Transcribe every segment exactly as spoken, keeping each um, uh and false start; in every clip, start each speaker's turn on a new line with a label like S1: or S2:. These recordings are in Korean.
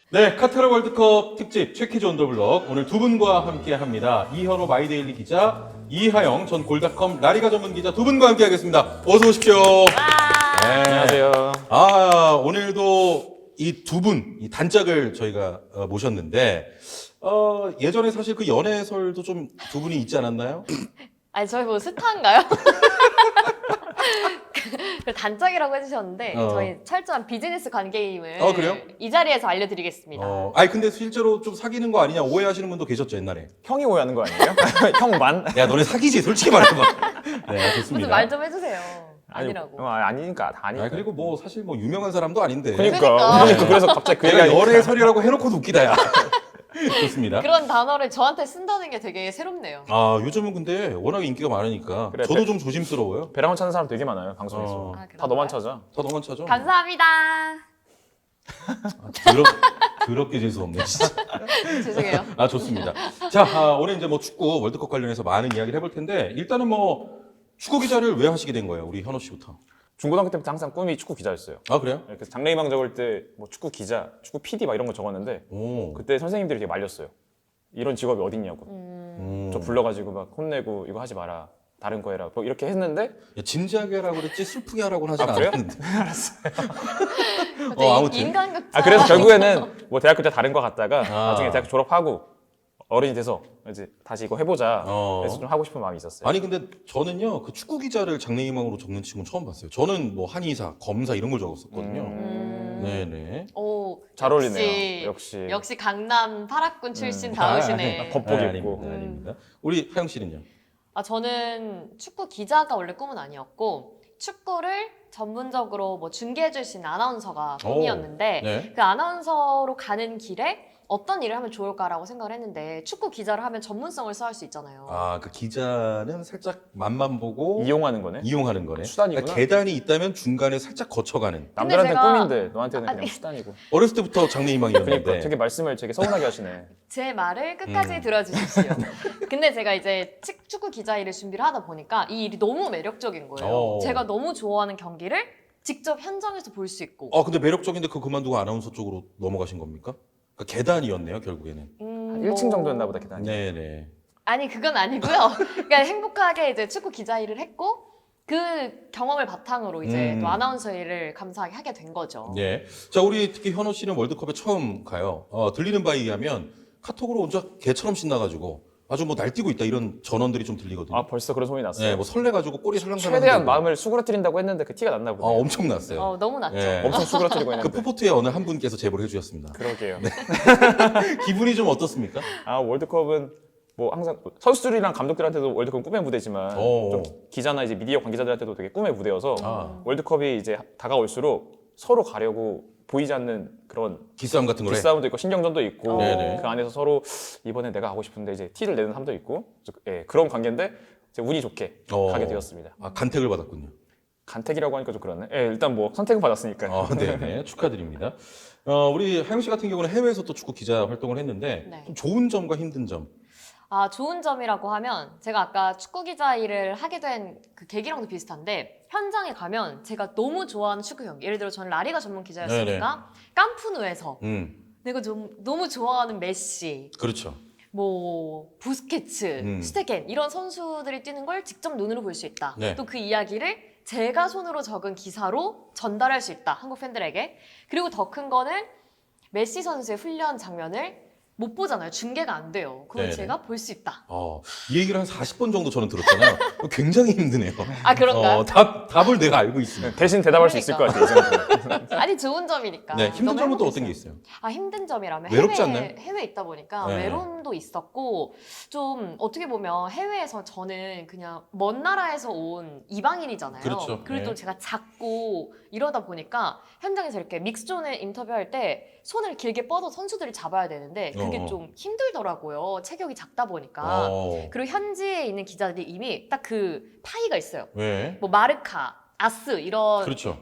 S1: 네, 카타르 월드컵 특집 최키즈 온 더 블럭 오늘 두 분과 함께 합니다. 이현호 마이데일리 기자, 이하영 전 골닷컴 라리가 전문 기자 두 분과 함께 하겠습니다. 어서 오십시오. 네.
S2: 안녕하세요.
S1: 아, 오늘도 이 두 분, 이 단짝을 저희가 어, 모셨는데, 어, 예전에 사실 그 연애설도 좀 두 분이 있지 않았나요?
S3: 아니 저희 뭐 스타인가요? 그 단짝이라고 해주셨는데
S1: 어.
S3: 저희 철저한 비즈니스 관계임을
S1: 어, 그래요?
S3: 이 자리에서 알려드리겠습니다.
S1: 어, 아니, 근데 실제로 좀 사귀는 거 아니냐 오해하시는 분도 계셨죠, 옛날에.
S2: 형이 오해하는 거 아니에요? 형만?
S1: 야, 너네 사귀지, 솔직히 말해봐. 네, 좋습니다.
S3: 무슨 말 좀 해주세요. 아니라고.
S2: 아니, 어, 아니니까 다 아니니까.
S1: 아, 그리고 뭐 사실 뭐 유명한 사람도 아닌데.
S2: 그러니까.
S3: 그러니까.
S2: 그러니까. 그래서 갑자기 그
S1: 내가
S2: 얘기가
S1: 열애설이라고 해놓고도 웃기다, 야. 좋습니다.
S3: 그런 단어를 저한테 쓴다는 게 되게 새롭네요.
S1: 아, 요즘은 근데 워낙에 인기가 많으니까
S2: 그래,
S1: 저도
S2: 배-
S1: 좀 조심스러워요.
S2: 배랑원 찾는 사람 되게 많아요 방송에서.
S1: 어.
S3: 아,
S2: 다
S3: 그런가요?
S2: 너만 찾아.
S1: 다 너만 찾아.
S3: 감사합니다.
S1: 아, 더럽, 더럽게 재수없네, 진짜.
S3: 죄송해요.
S1: 아, 좋습니다. 자, 아, 오늘 이제 뭐 축구 월드컵 관련해서 많은 이야기를 해볼 텐데, 일단은 뭐 축구 기자를 왜 하시게 된 거예요? 우리 현호 씨부터.
S2: 중고등학교 때부터 항상 꿈이 축구 기자였어요.
S1: 아, 그래요?
S2: 그래서 장래희망 적을 때 뭐 축구 기자, 축구 피디 막 이런 거 적었는데
S1: 오.
S2: 그때 선생님들이 되게 말렸어요. 이런 직업이 어딨냐고.
S3: 음,
S1: 음.
S2: 저 불러가지고 막 혼내고 이거 하지 마라. 다른 거 해라. 뭐 이렇게 했는데
S1: 야, 진지하게 하라고 그랬지 슬프게 하라고는 하진
S2: 아, 그래요?
S1: 않았는데.
S3: 갑자기
S1: 어, 아무튼.
S3: 인간극장.
S2: 아 그래서 결국에는 뭐 대학교 때 다른 거 갔다가
S1: 아.
S2: 나중에 대학 졸업하고 어른이 돼서 이제 다시 이거 해보자.
S1: 어.
S2: 그래서 좀 하고 싶은 마음이 있었어요.
S1: 아니 근데 저는요 그 축구 기자를 장래희망으로 적는 친구는 처음 봤어요. 저는 뭐 한의사, 검사 이런 걸 적었었거든요.
S3: 음.
S1: 네네.
S3: 오,
S2: 잘
S3: 역시,
S2: 어울리네요. 역시.
S3: 역시 강남 파락군 출신
S2: 음.
S3: 다우시네.
S1: 아, 아,
S2: 겉복
S1: 아,
S2: 입고.
S1: 아닙니다,
S3: 음.
S1: 아닙니다. 우리 하영 씨는요?
S3: 아, 저는 축구 기자가 원래 꿈은 아니었고 축구를 전문적으로 뭐 중계해줄 수 있는 아나운서가 꿈이었는데
S1: 네.
S3: 그 아나운서로 가는 길에 어떤 일을 하면 좋을까라고 생각을 했는데 축구 기자를 하면 전문성을 쌓을 수 있잖아요.
S1: 아 그 기자는 살짝 맛만 보고
S2: 이용하는 거네.
S1: 이용하는 거네.
S2: 수단이구나.
S1: 그러니까 계단이 있다면 중간에 살짝 거쳐가는.
S2: 남들한테는
S3: 제가-
S2: 꿈인데 너한테는
S3: 아니.
S2: 그냥 수단이고.
S1: 어렸을 때부터 장래희망이었는데.
S2: 그러니까 되게 말씀을 되게 서운하게 하시네.
S3: 제 말을 끝까지
S1: 음.
S3: 들어주십시오. 근데 제가 이제 치- 축구 기자 일을 준비를 하다 보니까 이 일이 너무 매력적인 거예요.
S1: 어.
S3: 제가 너무 좋아하는 경기를 직접 현장에서 볼 수 있고.
S1: 어 근데 매력적인데 그거 그만두고 아나운서 쪽으로 넘어가신 겁니까? 그러니까 계단이었네요 결국에는.
S3: 음,
S2: 한 일 층
S3: 뭐-
S2: 정도였나 보다 계단이.
S1: 네네.
S3: 아니 그건 아니고요. 그러니까 행복하게 이제 축구 기자 일을 했고 그 경험을 바탕으로 이제
S1: 음.
S3: 또 아나운서 일을 감사하게 하게 된 거죠.
S1: 네. 자 우리 특히 현호 씨는 월드컵에 처음 가요. 어, 들리는 바에 의하면 카톡으로 혼자 개처럼 신나가지고 아주 뭐 날뛰고 있다 이런 전원들이 좀 들리거든요.
S2: 아 벌써 그런 소문이 났어요.
S1: 네, 뭐 설레가지고 꼬리 설렁설렁.
S2: 최대한
S1: 흔들고.
S2: 마음을 수그러뜨린다고 했는데 그 티가 났나
S1: 아,
S2: 보네요.
S1: 엄청 났어요.
S3: 어, 너무 낫죠.
S1: 예.
S2: 엄청 수그러뜨리고
S1: 그
S2: 했는데.
S1: 푸포트의 어느 한 분께서 제보를 해주셨습니다.
S2: 그러게요.
S1: 기분이 좀 어떻습니까?
S2: 아 월드컵은 뭐 항상 선수들이랑 감독들한테도 월드컵은 꿈의 무대지만
S1: 오.
S2: 좀 기자나 이제 미디어 관계자들한테도 되게 꿈의 무대여서
S1: 아,
S2: 월드컵이 이제 다가올수록 서로 가려고 보이지 않는 그런
S1: 기싸움 같은 거래.
S2: 기싸움도 있고 신경전도 있고
S1: 네네.
S2: 그 안에서 서로 이번에 내가 가고 싶은데 이제 티를 내는 사람도 있고 예, 그런 관계인데 이제 운이 좋게
S1: 어.
S2: 가게 되었습니다.
S1: 아, 간택을 받았군요.
S2: 간택이라고 하니까 좀 그렇네. 예, 일단 뭐 선택은 받았으니까요.
S1: 어, 네네. 축하드립니다. 어, 우리 하영 씨 같은 경우는 해외에서 또 축구 기자 활동을 했는데
S3: 네.
S1: 좀 좋은 점과 힘든 점.
S3: 아, 좋은 점이라고 하면 제가 아까 축구 기자 일을 하게 된 그 계기랑도 비슷한데 현장에 가면 제가 너무 좋아하는 축구 경기 예를 들어 저는 라리가 전문 기자였으니까 깜푸누에서
S1: 음,
S3: 내가 좀 너무 좋아하는 메시
S1: 그렇죠.
S3: 뭐 부스케츠,
S1: 음.
S3: 슈테겐 이런 선수들이 뛰는 걸 직접 눈으로 볼 수 있다.
S1: 네.
S3: 또 그 이야기를 제가 손으로 적은 기사로 전달할 수 있다. 한국 팬들에게. 그리고 더 큰 거는 메시 선수의 훈련 장면을 못 보잖아요. 중계가 안 돼요. 그걸
S1: 네네.
S3: 제가 볼 수 있다.
S1: 어, 이 얘기를 한 사십 번 정도 저는 들었잖아요. 굉장히 힘드네요.
S3: 아 그런가요?
S1: 어, 답, 답을 내가 알고 있습니다.
S2: 대신 대답할 수 있을 것 같아요. 이 정도는.
S3: 아니 좋은 점이니까.
S1: 네, 힘든
S3: 너무
S1: 점은 또 어떤 게
S3: 행복했어요.
S1: 있어요?
S3: 아 힘든 점이라면
S1: 외롭지
S3: 해외,
S1: 않나요?
S3: 해외에 있다 보니까
S1: 네.
S3: 외로움도 있었고 좀 어떻게 보면 해외에서 저는 그냥 먼 나라에서 온 이방인이잖아요.
S1: 그렇죠.
S3: 리고 또
S1: 네.
S3: 제가 작고 이러다 보니까 현장에서 이렇게 믹스존에 인터뷰할 때 손을 길게 뻗어 선수들이 잡아야 되는데 그게
S1: 어.
S3: 좀 힘들더라고요. 체격이 작다 보니까.
S1: 어,
S3: 그리고 현지에 있는 기자들이 이미 딱 그 파이가 있어요.
S1: 왜?
S3: 뭐 마르카, 아스 이런
S1: 그렇죠.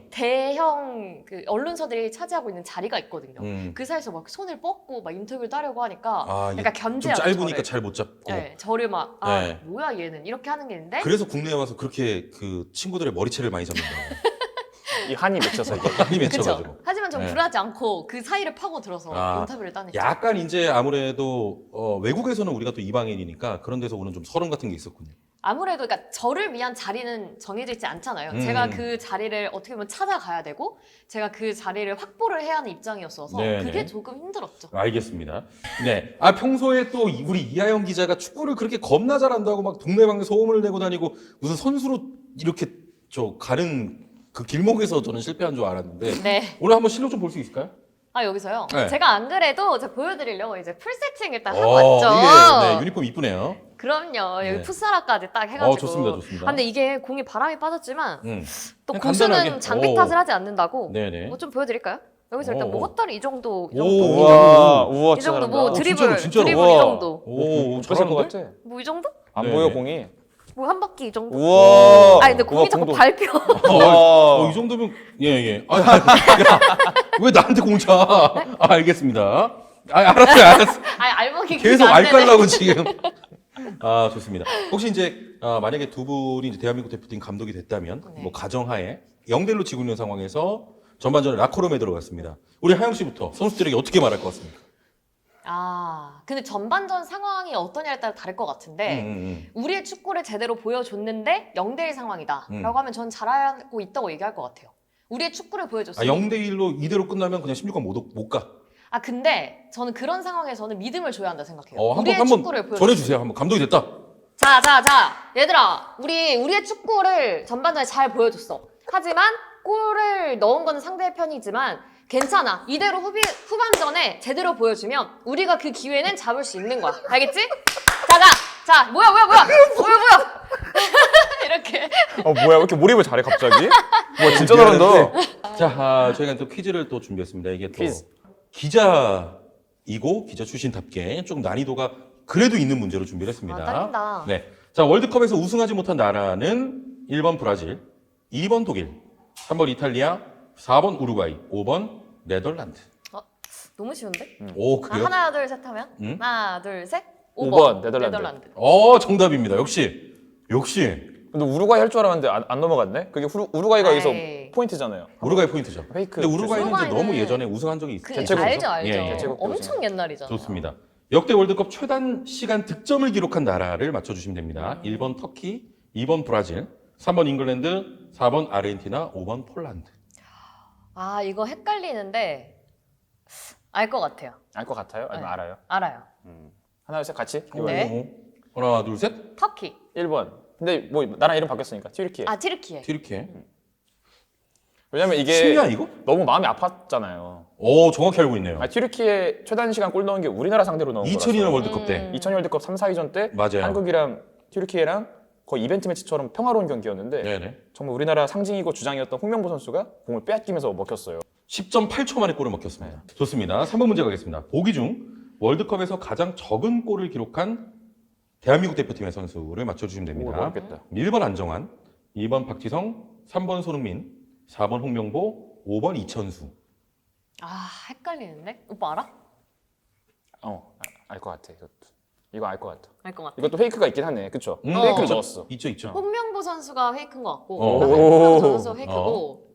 S3: 대형 그 언론사들이 차지하고 있는 자리가 있거든요.
S1: 음.
S3: 그 사이에서 막 손을 뻗고 막 인터뷰를 따려고 하니까
S1: 아, 이게
S3: 약간
S1: 좀
S3: 견제하죠.
S1: 짧으니까
S3: 저를.
S1: 잘 못 잡고.
S3: 네, 저를 막 아
S1: 네.
S3: 뭐야 얘는 이렇게 하는 게 있는데
S1: 그래서 국내에 와서 그렇게 그 친구들의 머리채를 많이 잡는다.
S2: 이 한이 맺혀서 이게.
S1: 많이
S3: 그쵸?
S1: 맺혀가지고.
S3: 하지만 좀
S1: 네.
S3: 불하지 않고 그 사이를 파고 들어서
S1: 아,
S3: 인터뷰를 따냈죠.
S1: 약간 이제 아무래도 어, 외국에서는 우리가 또 이방인이니까 그런 데서 오는 좀 서름 같은 게 있었군요.
S3: 아무래도 그러니까 저를 위한 자리는 정해져 있지 않잖아요.
S1: 음.
S3: 제가 그 자리를 어떻게 보면 찾아가야 되고 제가 그 자리를 확보를 해야 하는 입장이었어서
S1: 네네.
S3: 그게 조금 힘들었죠.
S1: 알겠습니다. 네. 아 평소에 또 우리 이하영 기자가 축구를 그렇게 겁나 잘한다고 막 동네방네 소음을 내고 다니고 무슨 선수로 이렇게 저 가는 그 길목에서 저는 실패한 줄 알았는데
S3: 네.
S1: 오늘 한번 실력 좀 볼 수 있을까요?
S3: 아 여기서요.
S1: 네.
S3: 제가 안 그래도 제가 보여드리려고 이제 풀 세팅 일단 하고
S1: 어,
S3: 왔죠.
S1: 이게 네, 유니폼 이쁘네요.
S3: 그럼요. 여기
S1: 네.
S3: 풋사라까지 딱 해가지고.
S1: 어, 좋습니다, 좋습니다.
S3: 아, 근데 이게 공이 바람이 빠졌지만
S1: 음.
S3: 또
S1: 그냥
S3: 고수는
S1: 간단하게.
S3: 장비
S1: 오.
S3: 탓을 하지 않는다고.
S1: 네네.
S3: 뭐 좀 보여드릴까요? 여기서 일단
S1: 오,
S3: 뭐
S1: 오.
S3: 헛다리 이 정도, 이
S1: 오,
S3: 정도,
S1: 오.
S2: 우와, 우와,
S3: 이
S2: 진짜
S3: 정도
S2: 잘한다.
S3: 뭐
S1: 어,
S3: 드리블,
S1: 진짜로, 진짜로.
S3: 드리블
S1: 우와.
S3: 이 정도,
S1: 오,
S2: 오, 뺏을 것
S1: 잘하는데?
S2: 같아.
S3: 뭐 이 정도?
S2: 안
S1: 네.
S2: 보여 공이.
S3: 뭐 한 바퀴 이 정도?
S2: 우와.
S3: 아 근데 공이
S2: 우와,
S3: 자꾸
S2: 공도.
S3: 밟혀.
S1: 어, 어, 이 정도면 예예. 아, 야, 왜 나한테 공차? 아, 알겠습니다. 아, 알았어요, 알았어.
S3: 아 알먹이
S1: 계속
S3: 안
S1: 알
S3: 되네.
S1: 깔라고 지금. 아 좋습니다. 혹시 이제 아, 만약에 두 분이 이제 대한민국 대표팀 감독이 됐다면
S3: 네.
S1: 뭐 가정하에 영 대 일로 지고 있는 상황에서 전반전에 라커룸에 들어갔습니다. 우리 하영 씨부터 선수들에게 어떻게 말할 것 같습니까?
S3: 아 근데 전반전 상황이 어떠냐에 따라 다를 것 같은데
S1: 음, 음,
S3: 우리의 축구를 제대로 보여줬는데 영 대 일 상황이다
S1: 음.
S3: 라고 하면 전 잘하고 있다고 얘기할 것 같아요. 우리의 축구를
S1: 음.
S3: 보여줬으니
S1: 아, 영 대 일로 이대로 끝나면 그냥 십육 강 못, 못 가.
S3: 아 근데 저는 그런 상황에서는 믿음을 줘야 한다 생각해요.
S1: 어, 한번
S3: 우리의
S1: 한번
S3: 축구를 보여줬으니.
S1: 전해주세요. 한번 감독이 됐다.
S3: 자, 자, 자, 얘들아, 우리 우리의 축구를 전반전에 잘 보여줬어. 하지만 골을 넣은 거는 상대의 편이지만 괜찮아. 이대로 후비, 후반전에 제대로 보여주면 우리가 그 기회는 잡을 수 있는 거야. 알겠지? 자, 자, 자, 뭐야, 뭐야, 뭐야, 뭐야, 뭐야. 이렇게.
S2: 어 뭐야 왜 이렇게 몰입을 잘해 갑자기? 와 진짜 잘한다.
S1: 자, 아, 저희가 또 퀴즈를 또 준비했습니다. 이게 또
S2: 퀴즈.
S1: 기자이고 기자 출신답게 좀 난이도가 그래도 있는 문제로 준비를 했습니다.
S3: 아, 떨린다.
S1: 네. 자, 월드컵에서 우승하지 못한 나라는 일 번 브라질, 이 번 독일, 삼 번 이탈리아, 사 번 우루과이, 오 번 네덜란드.
S3: 너무 쉬운데?
S1: 오,
S3: 아,
S1: 그래요?
S3: 하나, 둘, 셋 하면?
S1: 음?
S3: 하나, 둘, 셋.
S2: 오
S3: 오
S2: 번,
S3: 번,
S2: 네덜란드.
S3: 네덜란드.
S1: 어, 정답입니다. 역시. 역시.
S2: 근데 우루과이 할 줄 알았는데 안, 안 넘어갔네? 그게 후루, 우루과이가 여기서
S3: 아이.
S2: 포인트잖아요.
S1: 우루과이 포인트죠.
S2: 페이크.
S1: 근데 우루과이는 이제
S3: 우루과이는
S1: 너무 예전에 우승한 적이
S3: 그,
S1: 있어요.
S2: 대체국이죠?
S3: 알죠, 알죠.
S1: 예, 예.
S2: 대체국
S3: 엄청 옛날이잖아요.
S1: 좋습니다. 역대 월드컵 최단 시간 득점을 기록한 나라를 맞춰주시면 됩니다.
S3: 음.
S1: 일 번 터키, 이 번 브라질, 삼 번 잉글랜드, 사 번 아르헨티나, 오 번 폴란드.
S3: 아, 이거 헷갈리는데 알 것 같아요.
S2: 알 것 같아요? 아니면
S3: 네.
S2: 알아요?
S3: 알아요.
S2: 음. 하나, 둘, 셋 같이?
S3: 네.
S1: 오, 하나, 둘, 셋.
S3: 터키.
S2: 일 번. 근데 뭐 나랑 이름 바뀌었으니까 튀르키예.
S3: 아, 티르키예.
S1: 튀르키예.
S2: 왜냐면 이게
S1: 심리야 이거?
S2: 너무 마음이 아팠잖아요.
S1: 오, 정확히 알고 있네요.
S2: 아, 튀르키예 최단 시간 골 넣은 게 우리나라 상대로 넣은
S1: 이천 년
S2: 거라서.
S1: 월드컵 때.
S3: 음.
S2: 이천 년 월드컵 삼, 사 위전 때
S1: 맞아요.
S2: 한국이랑 튀르키예랑 거의 이벤트 매치처럼 평화로운 경기였는데
S1: 네네.
S2: 정말 우리나라 상징이고 주장이었던 홍명보 선수가 공을 빼앗기면서 먹혔어요.
S1: 십 점 팔 초 만에 골을 먹혔습니다. 좋습니다. 삼 번 문제 가겠습니다. 보기 중 월드컵에서 가장 적은 골을 기록한 대한민국 대표팀의 선수를 맞춰주시면
S2: 오,
S1: 됩니다.
S2: 어렵겠다.
S1: 일 번 안정환, 이 번 박지성, 삼 번 손흥민, 사 번 홍명보, 오 번 이천수.
S3: 아, 헷갈리는데? 오빠 알아?
S2: 어, 알 것 같아. 이것도. 이거 알 것 같아.
S3: 알 것 같아.
S2: 이것도 페이크가 있긴 하네. 그쵸?
S1: 음,
S2: 페이크를
S3: 있죠.
S2: 넣었어.
S1: 있죠, 있죠.
S3: 홍명보 선수가 페이크인 것 같고
S1: 어.
S3: 홍명보 선수 페이크고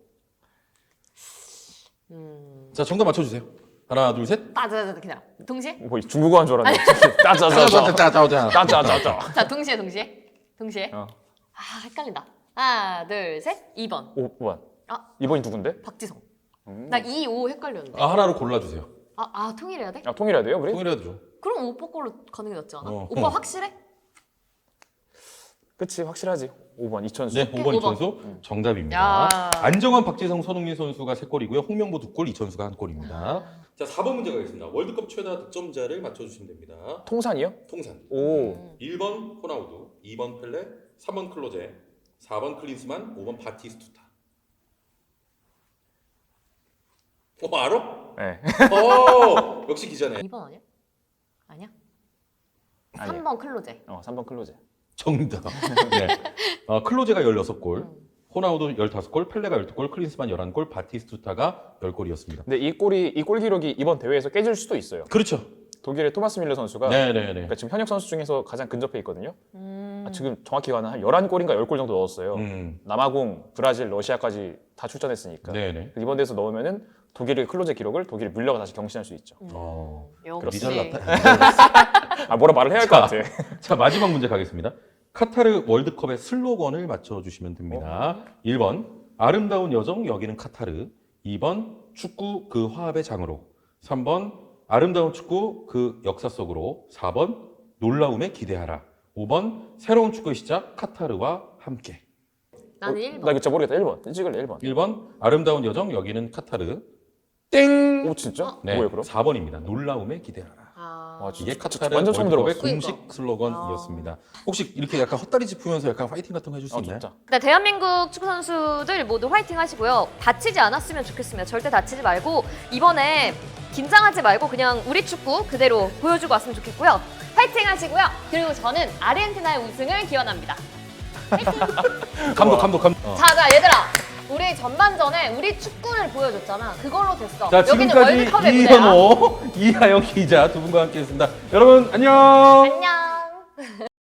S3: 음...
S1: 자, 정답 맞춰주세요. 하나, 둘, 셋.
S3: 따자자자 그냥 동시에?
S2: 뭐 중국어 한 줄 알았네. 따자자자.
S1: 짜자자자.
S2: 따자자자.
S3: 자 동시에 동시에 동시에
S2: 어.
S3: 아 헷갈린다. 하나 둘셋 이 번
S2: 오 번.
S3: 아.
S2: 이 번이 누군데?
S3: 박지성.
S2: 음.
S3: 나 이, 오 헷갈렸는데.
S1: 아, 하나로 골라주세요.
S3: 아, 아 통일해야 돼?
S2: 아, 통일해야 돼요, 우리?
S1: 통일해도 죠
S3: 그럼 오빠 걸로 가는 게 낫지 않아?
S1: 어.
S3: 오빠
S1: 어.
S3: 확실해?
S2: 그치, 확실하지. 오 번, 이천수.
S1: 네, 오 번
S3: 오 번.
S1: 이천수 정답입니다.
S3: 야.
S1: 안정환, 박지성, 손흥민 선수가 세 골이고요. 홍명보 두 골, 이천수가 한 골입니다. 자, 사 번 문제 가겠습니다. 월드컵 최다 득점자를 맞춰주시면 됩니다.
S2: 통산이요?
S1: 통산.
S2: 오.
S3: 음.
S1: 일 번 호나우두, 이 번 펠레, 삼 번 클로제, 사 번 클린스만, 오 번 바티스투타. 어, 알아?
S2: 네.
S1: 어, 역시 기자네.
S3: 이 번 아니야? 아니야?
S2: 아니야.
S3: 삼 번 클로제.
S2: 어, 삼 번 클로제.
S1: 정답. 네. 어, 클로제가 열여섯 골,
S3: 음.
S1: 호나우두 열다섯 골, 펠레가 열두 골, 클린스만 열한 골, 바티스투타가 열 골이었습니다.
S2: 근데 이 골이 이 골 기록이 이번 대회에서 깨질 수도 있어요.
S1: 그렇죠.
S2: 독일의 토마스 밀러 선수가
S1: 네네네.
S2: 그러니까 지금 현역 선수 중에서 가장 근접해 있거든요.
S3: 음.
S2: 아, 지금 정확히 가는 한 열한 골인가 십 골 정도 넣었어요.
S1: 음.
S2: 남아공, 브라질, 러시아까지 다 출전했으니까.
S1: 네네.
S2: 이번 대회에서 넣으면은 독일의 클로제 기록을 독일 밀러가 다시 경신할 수 있죠.
S3: 음.
S1: 어.
S3: 역시.
S1: 니잘났다.
S2: 아 뭐라 말을 해야 할 것 같아.
S1: 자, 마지막 문제 가겠습니다. 카타르 월드컵의 슬로건을 맞춰주시면 됩니다. 일 번 아름다운 여정 여기는 카타르. 이 번 축구 그 화합의 장으로. 삼 번 아름다운 축구 그 역사 속으로. 사 번 놀라움에 기대하라. 오 번 새로운 축구의 시작 카타르와 함께.
S3: 나는
S2: 어,
S3: 일
S2: 나
S3: 번.
S2: 이거 진짜 모르겠다. 일 번. 찍을래 일 번.
S1: 일 번 아름다운 여정 여기는 카타르. 땡!
S2: 오 진짜?
S1: 네,
S2: 뭐예요 그럼?
S1: 사 번입니다. 놀라움에 기대하라.
S3: 아.
S2: 와,
S1: 이게
S2: 진짜
S1: 카타르
S2: 완전 처음
S1: 월드컵의
S2: 들어봤어.
S1: 공식 슬로건이었습니다. 혹시 이렇게 약간 헛다리 짚으면서 약간 파이팅 같은 거 해줄 수
S2: 아
S1: 있나요?
S2: 진짜.
S3: 네, 대한민국 축구 선수들 모두 화이팅 하시고요. 다치지 않았으면 좋겠습니다. 절대 다치지 말고 이번에 긴장하지 말고 그냥 우리 축구 그대로 보여주고 왔으면 좋겠고요. 화이팅 하시고요. 그리고 저는 아르헨티나의 우승을 기원합니다.
S1: 감독, 감독, 감독. 어.
S3: 자, 자, 얘들아. 우리 전반전에 우리 축구를 보여줬잖아. 그걸로 됐어.
S1: 자,
S3: 여기는
S1: 지금까지
S3: 월드컵의 무대야.
S1: 이현호, 이하영 기자 두 분과 함께했습니다. 여러분 안녕.
S3: 안녕.